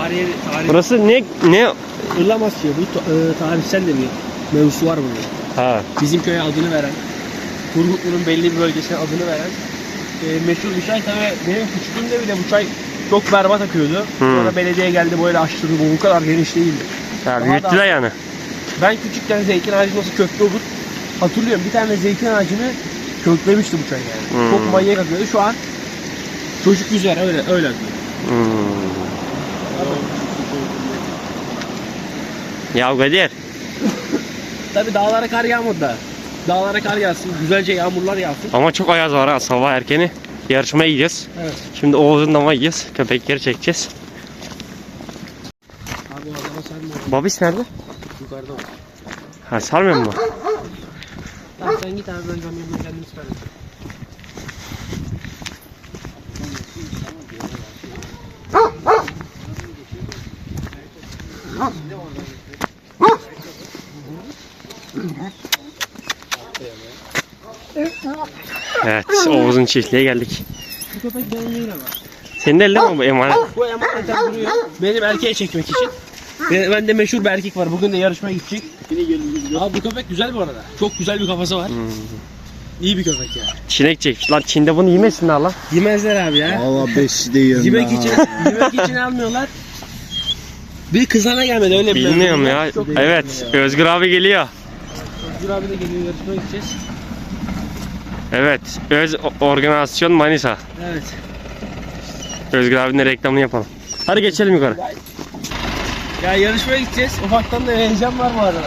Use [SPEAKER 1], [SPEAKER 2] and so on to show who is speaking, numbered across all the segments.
[SPEAKER 1] tarihi.
[SPEAKER 2] Burası ne?
[SPEAKER 1] Irlamasya. Bu tarihsel de bir mevzusu var burada.
[SPEAKER 2] Ha.
[SPEAKER 1] Bizim köye adını veren, Turgutlu'nun belli bir bölgesine adını veren meşhur bir çay. Tabii benim küçüklüğümde bile bu çay çok berbat akıyordu. Sonra belediye geldi böyle açtırdı. Bu kadar geniş değildi.
[SPEAKER 2] Ya büyüttüler yani.
[SPEAKER 1] Ben küçükken zeytin ağacı nasıl köklü olur hatırlıyorum. Bir tane zeytin ağacını köklemişti bu çay yani. Çok manyak akıyordu. Şu an çocuk yüzer öyle akıyor.
[SPEAKER 2] Ya Kadir.
[SPEAKER 1] Tabii dağlara kar yağmadı da. Dağlara kar yağsın, güzelce yağmurlar yağsın.
[SPEAKER 2] Ama çok ayaz var ha, sabah erkeni. Yarışmaya gideceğiz.
[SPEAKER 1] Evet.
[SPEAKER 2] Şimdi Oğuz'un dama gideceğiz. Köpekleri çekeceğiz.
[SPEAKER 1] Abi o adama sarmıyor.
[SPEAKER 2] Babis nerede?
[SPEAKER 1] Yukarıda var.
[SPEAKER 2] Ha, sarmıyor mu?
[SPEAKER 1] Tamam sen git abi ben camyonunu kendim çıkarım.
[SPEAKER 2] Evet, Oğuz'un çiftliğe geldik.
[SPEAKER 1] Bu köpek benim değil ama.
[SPEAKER 2] Senin de elde mi bu emanet?
[SPEAKER 1] Bu emanetten duruyor. Benim erkeğe çekmek için. Ben de meşhur bir erkek var. Bugün de yarışmaya gidecek. Abi bu köpek güzel bu arada. Çok güzel bir kafası var. İyi bir köpek ya.
[SPEAKER 2] Çinek çekmiş. Lan Çin'de bunu yemesinler lan.
[SPEAKER 1] Yemezler abi ya.
[SPEAKER 3] Valla 5 de yiyorum
[SPEAKER 1] Yemek için almıyorlar. Bir kızana gelmedi öyle bir.
[SPEAKER 2] Bilmiyorum ya. Evet, Özgür abi geliyor.
[SPEAKER 1] Özgür abi de geliyor, yarışmaya gideceğiz.
[SPEAKER 2] Evet, Öz Organizasyon Manisa.
[SPEAKER 1] Evet.
[SPEAKER 2] Özgür abinin de reklamını yapalım. Hadi geçelim yukarı.
[SPEAKER 1] Ya yarışmaya gideceğiz. Ufaktan da heyecan var bu arada.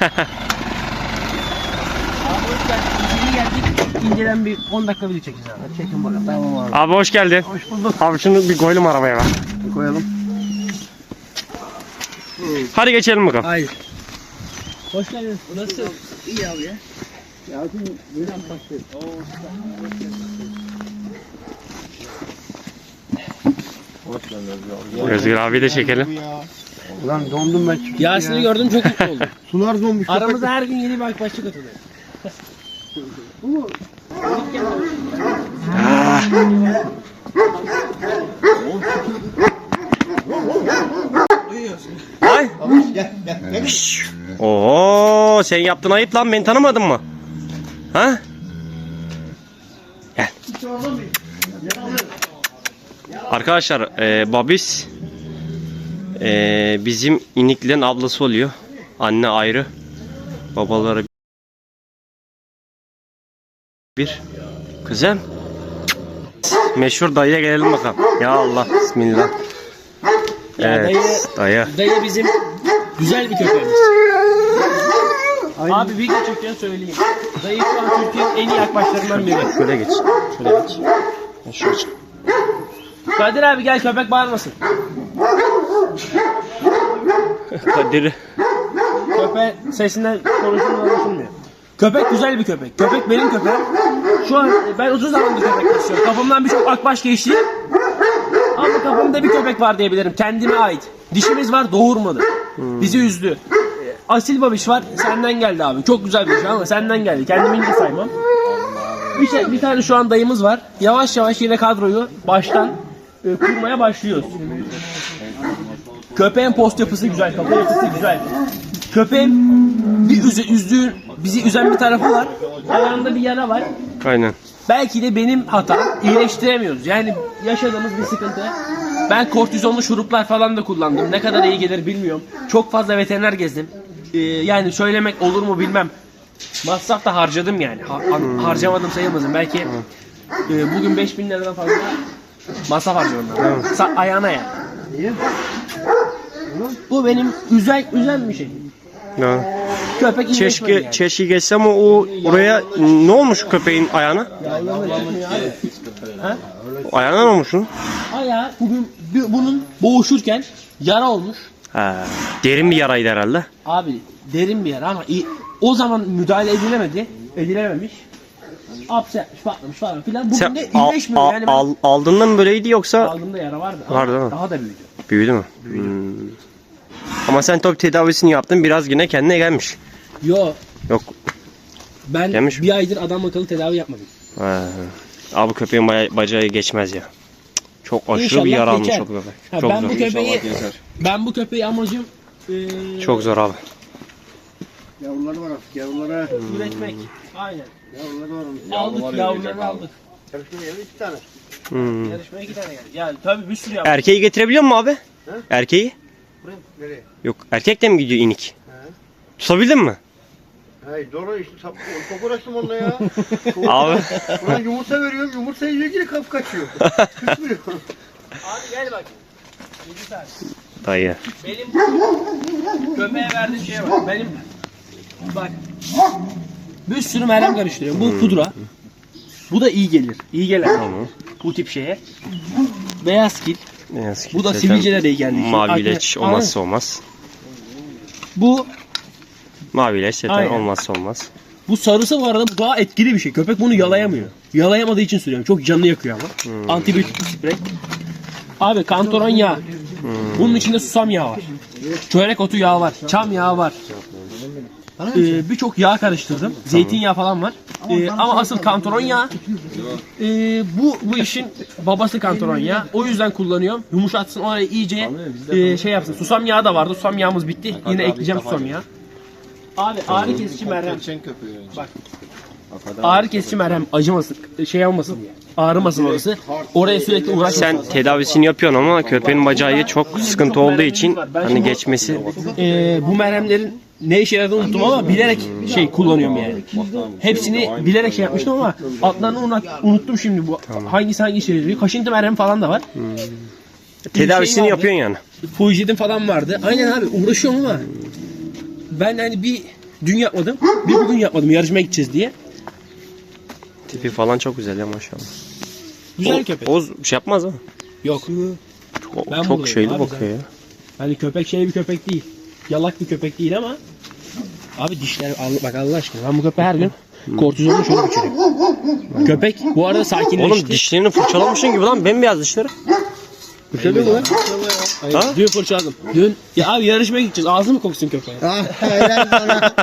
[SPEAKER 1] Abi hoş geldin. İyi geldik. İnceden bir 10 dakika video çekeceğiz abi. Çekin bakalım. Tamam abi.
[SPEAKER 2] Abi hoş geldin.
[SPEAKER 1] Hoş bulduk.
[SPEAKER 2] Abi şunu bir koyalım arabaya bak.
[SPEAKER 1] Koyalım.
[SPEAKER 2] Hadi geçelim bakalım.
[SPEAKER 1] Hayır. Hoş geldin. Nasıl? İyi abi ya. Ya şimdi böyle anlaştık.
[SPEAKER 2] Özgür abi de çekelim.
[SPEAKER 3] Ulan dondum ben çünkü
[SPEAKER 1] Yasin'i gördüm çok mutlu oldum.
[SPEAKER 3] Sular donmuş.
[SPEAKER 1] Aramıza her gün yeni bir akbaşçı katılıyor.
[SPEAKER 2] Ay. Oo, sen yaptın ayıp lan, beni tanımadın mı? Ha? Gel. Arkadaşlar, Babis bizim iniklerin ablası oluyor. Anne ayrı, babaları bir. Kızım. Meşhur dayıya gelelim bakalım. Ya Allah, bismillah. Evet, dayı.
[SPEAKER 1] Dayı bizim güzel bir köpeğimiz. Abi video çekiyorsun söyleyeyim. Dayı şu an Türkiye'nin en iyi akbaşlarından biri.
[SPEAKER 2] Şöyle geç. Şöyle geç. Şöyle çık.
[SPEAKER 1] Kadir abi gel köpek bağırmasın.
[SPEAKER 2] Kadir.
[SPEAKER 1] Köpeğin sesinden konuşulmuyor. Köpek güzel bir köpek. Köpek benim köpeğim. Şu an ben uzun zamandır köpek besliyorum. Kafamdan birçok akbaş geçti. Ama kafamda bir köpek var diyebilirim. Kendime ait. Dişimiz var, doğurmadı. Bizi üzdü. Asil babiş var. Senden geldi abi. Çok güzel bir şey ama senden geldi. Kendimi ince saymam. Bir tane şu an dayımız var. Yavaş yavaş yine kadroyu baştan kurmaya başlıyoruz. Köpeğin post yapısı güzel, kafa yapısı güzel. Köpeğin bir bizi üzen bir tarafı var. Ayağında bir yara var.
[SPEAKER 2] Aynen.
[SPEAKER 1] Belki de benim hatam. İyileştiremiyoruz. Yani yaşadığımız bir sıkıntı. Ben kortizonlu şuruplar falan da kullandım. Ne kadar iyi gelir bilmiyorum. Çok fazla veteriner gezdim. Yani söylemek olur mu bilmem. Masraf da harcadım yani. Harcamadım sayılmasın. Belki bugün 5.000 liradan fazla masraf harcadım. Ayağına yani. Bu benim üzen bir şey.
[SPEAKER 2] Ya.
[SPEAKER 1] Köpek iyileşmedi yani.
[SPEAKER 2] Çeşki geçsem o oraya ne olmuş köpeğin ayağına?
[SPEAKER 1] Ha?
[SPEAKER 2] Ayağına ne olmuş onun?
[SPEAKER 1] Ayağı bugün bunun boğuşurken yara olmuş.
[SPEAKER 2] Ha, derin bir yaraydı herhalde.
[SPEAKER 1] Abi derin bir yara ama o zaman müdahale edilememiş. Hapse yapmış, patlamış falan filan. Bugün
[SPEAKER 2] Sen
[SPEAKER 1] de iyileşmiyor yani.
[SPEAKER 2] Aldığında mı böyleydi yoksa?
[SPEAKER 1] Aldığımda yara vardı.
[SPEAKER 2] Vardı değil mi?
[SPEAKER 1] Daha da büyüdü.
[SPEAKER 2] Büyüdü mü? Ama sen tabii tedavisini yaptın, biraz yine kendine gelmiş.
[SPEAKER 1] Yo.
[SPEAKER 2] Yok.
[SPEAKER 1] Ben
[SPEAKER 2] Gelmiş
[SPEAKER 1] bir aydır adam akıllı tedavi yapmadım.
[SPEAKER 2] Abi köpeğin bacağı geçmez ya. Çok aşırı
[SPEAKER 1] İnşallah
[SPEAKER 2] bir yara almış
[SPEAKER 1] geçer.
[SPEAKER 2] o köpek.
[SPEAKER 1] Ha,
[SPEAKER 2] Çok
[SPEAKER 1] ben
[SPEAKER 2] zor.
[SPEAKER 1] ben bu köpeği amacım
[SPEAKER 2] Çok zor abi.
[SPEAKER 3] Yavruları var artık yavrulara.
[SPEAKER 1] üretmek. Aynen.
[SPEAKER 3] Yavruları var onun.
[SPEAKER 1] Aldık yavruları aldık.
[SPEAKER 3] Yarışmaya geldi 2 tane.
[SPEAKER 2] Hmm.
[SPEAKER 1] Yarışmaya 2 tane geldi. Yani tabii bir sürü yavru.
[SPEAKER 2] Erkeği getirebiliyor musun abi? Erkeği?
[SPEAKER 3] Buraya nereye?
[SPEAKER 2] Yok. Erkek de mi gidiyor inik?
[SPEAKER 3] He.
[SPEAKER 2] Tutabildin mi?
[SPEAKER 3] Hey doğru işte çok uğraştım onunla ya.
[SPEAKER 2] Abi.
[SPEAKER 3] Ulan yumurta veriyorum yumurta yiyor yine kapı kaçıyor. Kısmıyor.
[SPEAKER 1] Abi gel bak. 7 tane.
[SPEAKER 2] Dayı.
[SPEAKER 1] Benim köpeğe verdiğim şeye bak. Benim bak. Bir sürü merhem karıştırıyorum. Bu pudra. Bu da iyi gelir. İyi gelir.
[SPEAKER 2] Tamam.
[SPEAKER 1] Bu tip şeye. Beyaz kil.
[SPEAKER 2] Ne yazık ki
[SPEAKER 1] Bu da
[SPEAKER 2] zaten
[SPEAKER 1] sivilcelere iyi geldi.
[SPEAKER 2] Mavi leç
[SPEAKER 1] Aynen.
[SPEAKER 2] olmazsa olmaz.
[SPEAKER 1] Bu
[SPEAKER 2] Mavi leç zaten
[SPEAKER 1] Aynen.
[SPEAKER 2] olmazsa olmaz.
[SPEAKER 1] bu sarısı bu arada bu daha etkili bir şey. Köpek bunu yalayamıyor. Yalayamadığı için sürüyorum. Çok canını yakıyor ama. Antibiyotik sprey. Abi kantaron yağı. Bunun içinde susam yağı var. Çörek otu yağı var. Çam yağı var. Birçok yağ karıştırdım. Zeytinyağı falan var. Ama asıl kantaron yağı. Bu işin babası kantaron yağı. O yüzden kullanıyorum. Yumuşatsın orayı iyice şey yapsın. Susam yağı da vardı. Susam yağımız bitti. Yine ekleyeceğim susam yağı. Abi ağrı kesici merhem. Bak. Ağrı kesici merhem acımasın, şey olmasın, ağrımasın orası. Oraya sürekli uğraşmasın.
[SPEAKER 2] Sen tedavisini yapıyorsun ama köpeğin bacağı çok sıkıntı olduğu için hani geçmesi
[SPEAKER 1] Bu merhemlerin ne işe yaradığını unuttum ama bilerek şey kullanıyorum yani. Hepsini bilerek şey yapmıştım ama adlarını unuttum şimdi bu. Hangisi hangi işe yarıyor? Kaşıntı merhem falan da var.
[SPEAKER 2] tedavisini
[SPEAKER 1] şey vardı.
[SPEAKER 2] yapıyorsun yani.
[SPEAKER 1] Fujidim falan vardı. Aynen abi uğraşıyorum ama ben hani bir dün yapmadım, bir bugün yapmadım yarışmaya gideceğiz diye.
[SPEAKER 2] Tipi falan çok güzel ya maşallah.
[SPEAKER 1] Güzel köpek.
[SPEAKER 2] Oz şey yapmaz mı?
[SPEAKER 1] Yok.
[SPEAKER 2] Çok,
[SPEAKER 1] Ben
[SPEAKER 2] çok
[SPEAKER 1] buradayım
[SPEAKER 2] şeyli
[SPEAKER 1] abi
[SPEAKER 2] bakıyor ya.
[SPEAKER 1] Hani köpek şey bir köpek değil. Yalak bir köpek değil ama abi dişler bak Allah aşkına ben bu köpeği her gün kortizonla şöyle geçiriyorum. Köpek bu arada sakinleşti.
[SPEAKER 2] Oğlum dişlerini fırçalamışsın gibi lan bembeyaz dişleri.
[SPEAKER 1] Köpek mi lan?
[SPEAKER 2] Ha?
[SPEAKER 1] Dün fırçaladım. Dün ya abi yarışmaya gideceğiz. Ağzı mı koksun köpeğe?
[SPEAKER 3] Helal sana.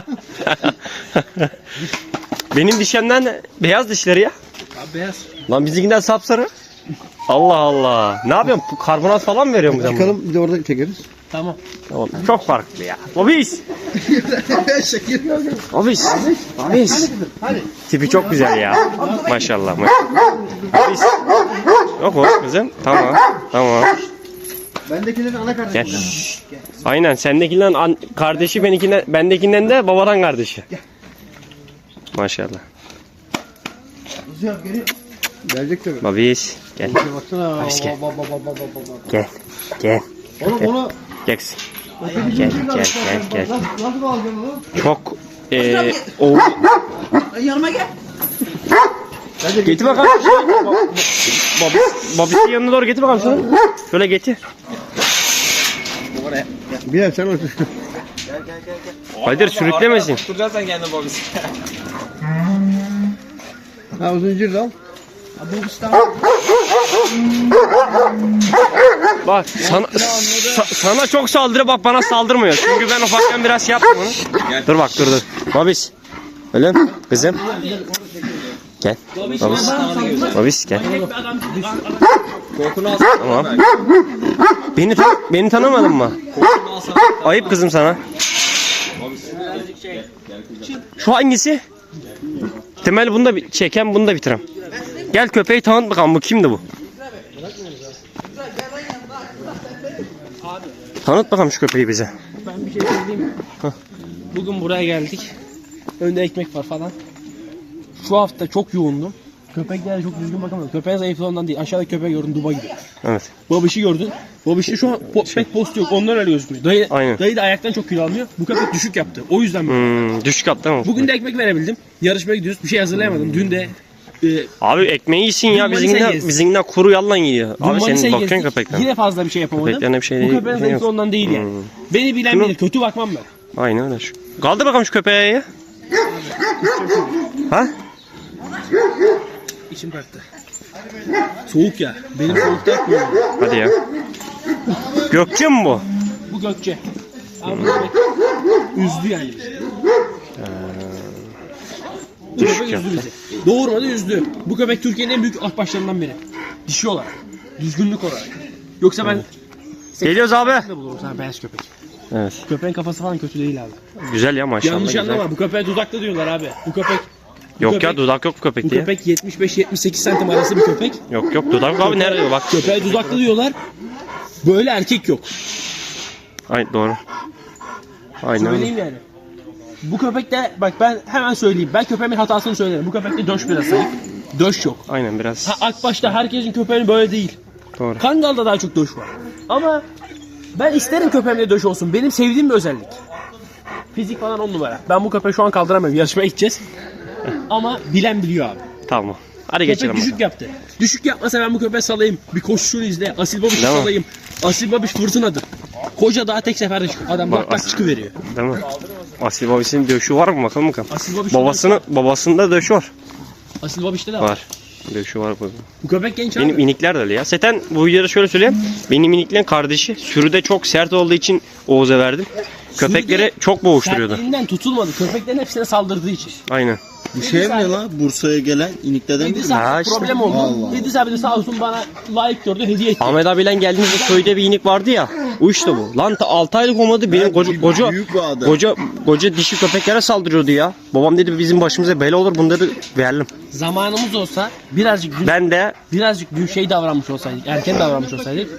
[SPEAKER 2] Benim dişemden de beyaz dişleri ya.
[SPEAKER 1] Abi beyaz.
[SPEAKER 2] Lan bizimkinden sapsarı. Allah Allah. Ne yapıyorsun? Karbonat falan mı veriyor mu sen buna?
[SPEAKER 3] Çıkalım bir de orada çekeriz.
[SPEAKER 1] Tamam.
[SPEAKER 2] Oğlum, çok farklı ya. Bobis.
[SPEAKER 3] Şekil.
[SPEAKER 2] Bobis. Bobis. Tipi çok güzel ya. Maşallah. Bobis. Yok o kızım. Tamam. Tamam.
[SPEAKER 3] Bendekilerin ana kardeşi.
[SPEAKER 2] Gel. Aynen sendekinden kardeşi bendekinden de babadan kardeşi. Maşallah.
[SPEAKER 3] Güzel geri. Gelecek tabii.
[SPEAKER 2] Babis. Gel.
[SPEAKER 3] Baksana.
[SPEAKER 2] Babis gel.
[SPEAKER 3] Baba.
[SPEAKER 2] Gel. Gel.
[SPEAKER 3] Oğlum onu
[SPEAKER 2] Gel. Gel. Gel.
[SPEAKER 3] nasıl alacaksın onu?
[SPEAKER 2] Çok o
[SPEAKER 3] Yanıma gel.
[SPEAKER 2] getir bakalım. Babis'in yanına doğru getir bakalım şunu. Şöyle getir.
[SPEAKER 3] Bilal sen otur.
[SPEAKER 2] Kadir sürüklemesin.
[SPEAKER 4] Tutturacaksın kendini babisi.
[SPEAKER 3] Ha o zincir de al.
[SPEAKER 2] Bak sana çok saldırı bak bana saldırmıyor. Çünkü ben ufakken biraz şey yaptım onu. Dur bak dur. Babis. Öyle mi? Kızım. Gel. Babis. Babis gel.
[SPEAKER 4] Kokunu alsana.
[SPEAKER 2] Tamam. Beni tanımadın mı?
[SPEAKER 4] Kokunu alsana.
[SPEAKER 2] Ayıp kızım sana. Şu hangisi? Temel bunu da çeken bunu da bitirem. Gel köpeği tanıt bakalım bu kimdi bu? Tanıt bakalım şu köpeği bize.
[SPEAKER 1] Ben bir şey söyleyeyim. Bugün buraya geldik. Önde ekmek var falan. Şu hafta çok yoğundum. Köpeklere çok düzgün bakamadım. Köpeğe zayıflığından değil. Aşağıda köpeği gördün Duba gibi.
[SPEAKER 2] Evet.
[SPEAKER 1] Babişi gördün. Babişte şu an pek post yok. Ondan öyle gözükmüyor.
[SPEAKER 2] Aynen.
[SPEAKER 1] Dayı da ayaktan çok kilo almıyor. Bu köpek düşük yaptı. O yüzden böyle.
[SPEAKER 2] Düşük attı mı?
[SPEAKER 1] Bugün de ekmek verebildim. Yarışmaya gidiyoruz. Bir şey hazırlayamadım. Dün de
[SPEAKER 2] Abi ekmeği yesin ya
[SPEAKER 1] Manisa'yı gezdim.
[SPEAKER 2] bizimkinden kuru yalan yiyor.
[SPEAKER 1] dün
[SPEAKER 2] Abi
[SPEAKER 1] Manisa'yı
[SPEAKER 2] senin bakıyorsun
[SPEAKER 1] gezdik.
[SPEAKER 2] köpekten.
[SPEAKER 1] Yine fazla bir şey yapamadım.
[SPEAKER 2] Köpeklerine bir şey
[SPEAKER 1] Bu
[SPEAKER 2] değil,
[SPEAKER 1] köpeğin
[SPEAKER 2] şey yok.
[SPEAKER 1] zayıflığı ondan değil yani. Beni bilen
[SPEAKER 2] Şunu-
[SPEAKER 1] bilir. Kötü bakmam ben.
[SPEAKER 2] Aynen öyle. Kaldır bakalım şu köpeğe ya. Ha?
[SPEAKER 1] İçim kalktı. Soğuk ya. Benim soğukta yapmıyor.
[SPEAKER 2] Hadi ya. Gökçe mi bu?
[SPEAKER 1] Bu Gökçe. Ama bu köpek üzdü yani bizi. Bu
[SPEAKER 2] Düşük
[SPEAKER 1] köpek üzdü
[SPEAKER 2] yaptı.
[SPEAKER 1] bizi. Doğurmadı üzdü. Bu köpek Türkiye'nin en büyük akbaşlarından biri. Dişi olarak. Düzgünlük olarak. Yoksa ben
[SPEAKER 2] Geliyoruz abi.
[SPEAKER 1] de bulurum sana beyaz köpek.
[SPEAKER 2] Evet.
[SPEAKER 1] Köpeğin kafası falan kötü değil abi.
[SPEAKER 2] Güzel ya maşallah.
[SPEAKER 1] Yanlış
[SPEAKER 2] güzel.
[SPEAKER 1] anlama, bu köpeğe dudaklı diyorlar abi. Bu köpek
[SPEAKER 2] Yok
[SPEAKER 1] köpek-
[SPEAKER 2] ya dudak yok bu köpek
[SPEAKER 1] bu
[SPEAKER 2] diye.
[SPEAKER 1] köpek 75-78 santim arası bir köpek.
[SPEAKER 2] Yok yok dudak abi nerede bak.
[SPEAKER 1] Köpeğe dudaklı diyorlar. Böyle erkek yok.
[SPEAKER 2] Ay doğru. Aynen. öyle.
[SPEAKER 1] Söyleyeyim yani. Bu köpekte bak ben hemen söyleyeyim. Ben köpeğimin hatasını söylerim. Bu köpekte döş biraz zayıf. Döş yok.
[SPEAKER 2] Aynen biraz.
[SPEAKER 1] Ha, Akbaş'ta herkesin köpeğinin böyle değil.
[SPEAKER 2] Doğru.
[SPEAKER 1] Kangal'da daha çok döş var. Ama ben isterim köpeğimde döş olsun. Benim sevdiğim bir özellik. Fizik falan 10 numara. Ben bu köpeği şu an kaldıramıyorum. Yarışmaya gideceğiz. Ama bilen biliyor abi.
[SPEAKER 2] Tamam. Hadi
[SPEAKER 1] Köpek
[SPEAKER 2] geçelim.
[SPEAKER 1] düşük yaptı. Düşük yapmasa ben bu köpeği salayım. Bir koşuşunu izle. Asil Babiş
[SPEAKER 2] Değil mi?
[SPEAKER 1] salayım. Asil Babiş fırtınadır. Koca daha tek seferde çıkıyor. Adam
[SPEAKER 2] Bak,
[SPEAKER 1] bak bak
[SPEAKER 2] Asil-
[SPEAKER 1] çıkıveriyor.
[SPEAKER 2] Değil mi? Asil babasının döşü var mı bakalım bakalım.
[SPEAKER 1] Asil Babiş
[SPEAKER 2] Babasında döşü var.
[SPEAKER 1] Asil Babiş'te de var.
[SPEAKER 2] Var. Döşü var bu.
[SPEAKER 1] Bu köpek genç abi.
[SPEAKER 2] Benim inikler de öyle ya. Zaten bu videoda şöyle söyleyeyim. Benim iniklerin kardeşi sürüde çok sert olduğu için Oğuz'a verdim. Köpekleri çok boğuşturuyordu.
[SPEAKER 1] Sertliğinden tutulmadı. Köpeklerin hepsine saldırdığı için.
[SPEAKER 2] Aynen.
[SPEAKER 3] Bu şey mi la? Bursa'ya gelen iniklerden biri
[SPEAKER 1] İdris
[SPEAKER 3] mi?
[SPEAKER 2] Ha
[SPEAKER 1] abi
[SPEAKER 2] işte.
[SPEAKER 1] problem oldu.
[SPEAKER 3] Allah.
[SPEAKER 1] İdris abi de sağ olsun bana layık gördü, hediye etti.
[SPEAKER 2] Ahmet abiyle geldiğimizde köyde bir inik vardı ya. O işte bu. Lan 6 aylık olmadı benim koca
[SPEAKER 3] Büyük bir adam.
[SPEAKER 2] koca dişi köpeklere saldırıyordu ya. Babam dedi bizim başımıza bela olur bunları verelim.
[SPEAKER 1] Zamanımız olsa birazcık
[SPEAKER 2] Ben de
[SPEAKER 1] şey davranmış olsaydık, erken davranmış olsaydık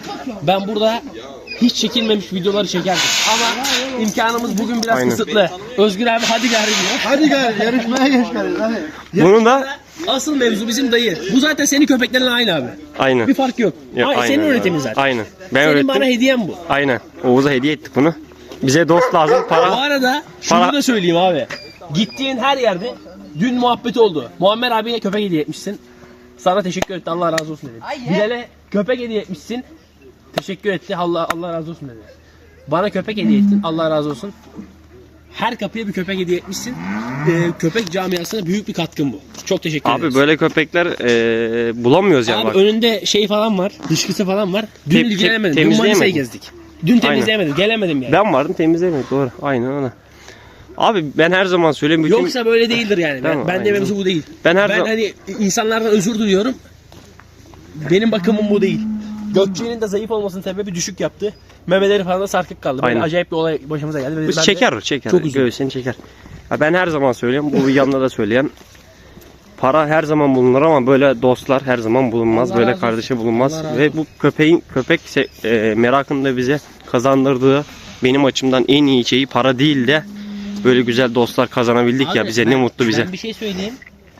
[SPEAKER 1] ben burada hiç çekilmemiş videoları çekerdim. Ama imkanımız bugün biraz
[SPEAKER 2] Aynen.
[SPEAKER 1] kısıtlı. Özgür abi hadi gari diyor.
[SPEAKER 3] Hadi gel yarışmaya geç gel. Hadi.
[SPEAKER 2] bunun da
[SPEAKER 1] Asıl mevzu bizim dayı. Bu zaten senin köpeklerinle aynı abi.
[SPEAKER 2] aynen.
[SPEAKER 1] Bir fark yok.
[SPEAKER 2] Ya,
[SPEAKER 1] Senin
[SPEAKER 2] aynen,
[SPEAKER 1] üretimin zaten.
[SPEAKER 2] Aynen. Ben
[SPEAKER 1] Senin
[SPEAKER 2] öğrettim.
[SPEAKER 1] bana hediyen bu.
[SPEAKER 2] Aynen. Oğuz'a hediye ettik bunu. Bize dost lazım
[SPEAKER 1] Bu
[SPEAKER 2] para.
[SPEAKER 1] arada şunu
[SPEAKER 2] Para-
[SPEAKER 1] da söyleyeyim abi. Gittiğin her yerde dün muhabbet oldu. Muammer abiye köpek hediye etmişsin. Sana teşekkür etti. Allah razı olsun dedi. Bilal'e köpek hediye etmişsin. Teşekkür etti. Allah razı olsun dedi. Bana köpek hediye ettin. Allah razı olsun. Her kapıya bir köpek hediye etmişsin. Köpek camiasına büyük bir katkın bu. Çok teşekkür ederiz.
[SPEAKER 2] Abi böyle köpekler bulamıyoruz yani
[SPEAKER 1] Abi
[SPEAKER 2] bak.
[SPEAKER 1] önünde şey falan var. Dışkısı falan var. Dün
[SPEAKER 2] Te-
[SPEAKER 1] ilgilenemedim. Dün
[SPEAKER 2] temizleyemedim.
[SPEAKER 1] Manisa'yı gezdik. Dün temizleyemedim. Gelemedim yani.
[SPEAKER 2] Ben vardım temizlemedik doğru. Aynen öyle. Abi ben her zaman söyleyeyim. Bütün...
[SPEAKER 1] Yoksa böyle değildir yani.
[SPEAKER 2] Tamam,
[SPEAKER 1] Ben de
[SPEAKER 2] aynen.
[SPEAKER 1] mevzu bu değil.
[SPEAKER 2] Ben her
[SPEAKER 1] Ben
[SPEAKER 2] zaman-
[SPEAKER 1] hani insanlardan özür diliyorum. Benim bakımım bu değil. Gökçe'nin de zayıf olmasının sebebi düşük yaptı. Memeleri falan da sarkık kaldı. Böyle
[SPEAKER 2] Aynen.
[SPEAKER 1] acayip bir olay başımıza geldi. Ben
[SPEAKER 2] Biz
[SPEAKER 1] de
[SPEAKER 2] çeker.
[SPEAKER 1] Çok üzüldüm.
[SPEAKER 2] Göğsünü çeker. Ya ben her zaman söylüyorum. Bu yanında da söyleyeyim. Para her zaman bulunur ama böyle dostlar her zaman bulunmaz.
[SPEAKER 1] Allah
[SPEAKER 2] böyle
[SPEAKER 1] razı
[SPEAKER 2] kardeşi bulunmaz.
[SPEAKER 1] Allah razı
[SPEAKER 2] Ve bu köpek merakını da bize kazandırdığı benim açımdan en iyi şeyi para değil de böyle güzel dostlar kazanabildik ya
[SPEAKER 1] Abi,
[SPEAKER 2] bize ne mutlu bize.
[SPEAKER 1] Ben bir şey söyleyeyim.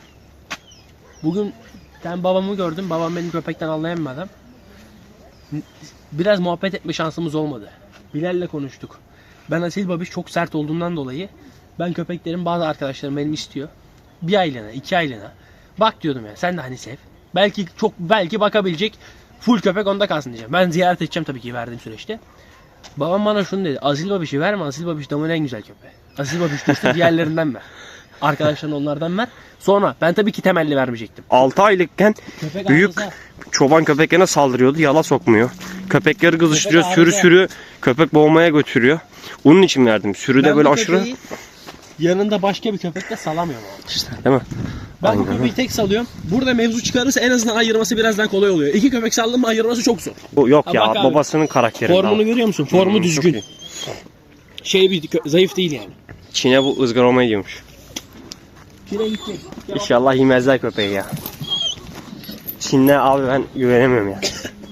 [SPEAKER 1] Bugün ben babamı gördüm. Babam benim köpekten anlayan bir adam. Biraz muhabbet etme şansımız olmadı. Bilal'le konuştuk. Ben Asil Babiş çok sert olduğundan dolayı ben köpeklerin bazı arkadaşlarım benim istiyor. Bir aylığına, 2 aylığına. Bak diyordum ya sen de hani sev. Belki bakabilecek full köpek onda kalsın diyeceğim. Ben ziyaret edeceğim tabii ki verdiğim süreçte. Babam bana şunu dedi. Asil Babiş'i verme. Asil Babiş damın en güzel köpeği. Asil Babiş düştü diğerlerinden ver. Arkadaşların onlardan ver. Sonra ben tabii ki temelli vermeyecektim.
[SPEAKER 2] 6 aylıkken
[SPEAKER 1] Köpek
[SPEAKER 2] büyük
[SPEAKER 1] arıza.
[SPEAKER 2] çoban köpeklerine saldırıyordu. Yala sokmuyor. Köpekleri kızıştırıyor.
[SPEAKER 1] Köpek
[SPEAKER 2] Sürü köpek boğmaya götürüyor. Onun için verdim. Sürüde
[SPEAKER 1] Ben
[SPEAKER 2] böyle
[SPEAKER 1] bu
[SPEAKER 2] aşırı
[SPEAKER 1] köpeği yanında başka bir köpekle salamıyorum abi.
[SPEAKER 2] işte değil mi?
[SPEAKER 1] Ben bu
[SPEAKER 2] Aynen.
[SPEAKER 1] köpeği tek salıyorum. Burada mevzu çıkarırsa en azından ayırması biraz daha kolay oluyor. 2 köpek saldım mı ayırması çok zor.
[SPEAKER 2] Bu yok
[SPEAKER 1] Ha,
[SPEAKER 2] ya
[SPEAKER 1] bak abi.
[SPEAKER 2] babasının karakteri.
[SPEAKER 1] Formunu görüyor musun? Formu
[SPEAKER 2] çok
[SPEAKER 1] düzgün.
[SPEAKER 2] iyi.
[SPEAKER 1] Zayıf değil yani.
[SPEAKER 2] Çin'e bu ızgarama gidiyormuş.
[SPEAKER 1] Çin'e gidecek.
[SPEAKER 2] İnşallah yemezler köpeği ya. Çin'le abi ben güvenemiyorum ya.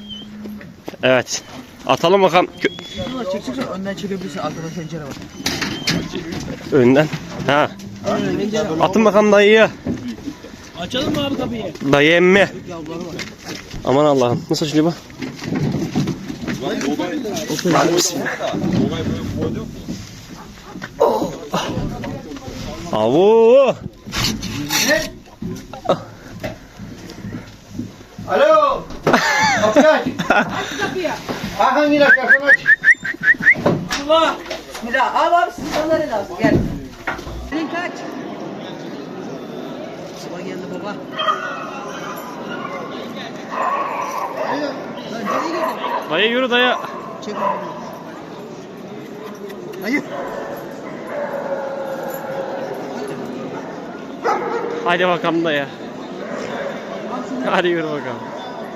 [SPEAKER 2] Evet. Atalım bakalım
[SPEAKER 3] Çekeceksen önden çekebilirsin. Arkada pencere var.
[SPEAKER 2] önden. Ha. Atın bakalım dayıyı.
[SPEAKER 1] Açalım mı abi kapıyı?
[SPEAKER 2] Dayı emmi. Aman Allah'ım. Nasıl açılıyor bu? Hadi bismillah. Oh. Avu.
[SPEAKER 3] Alo. Kapıyı aç. Hakan yine kapını aç.
[SPEAKER 1] Allah!
[SPEAKER 4] Bismillah. Al abi sizin onları lazım. Gel. Senin kaç? Baba geldi baba. Lan nereye girdin?
[SPEAKER 2] Dayı yürü dayı.
[SPEAKER 4] Çek onu. Hayır.
[SPEAKER 2] Hadi bakalım dayı. Hadi yürü bakalım.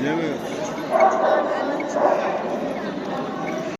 [SPEAKER 3] Bilemiyoruz.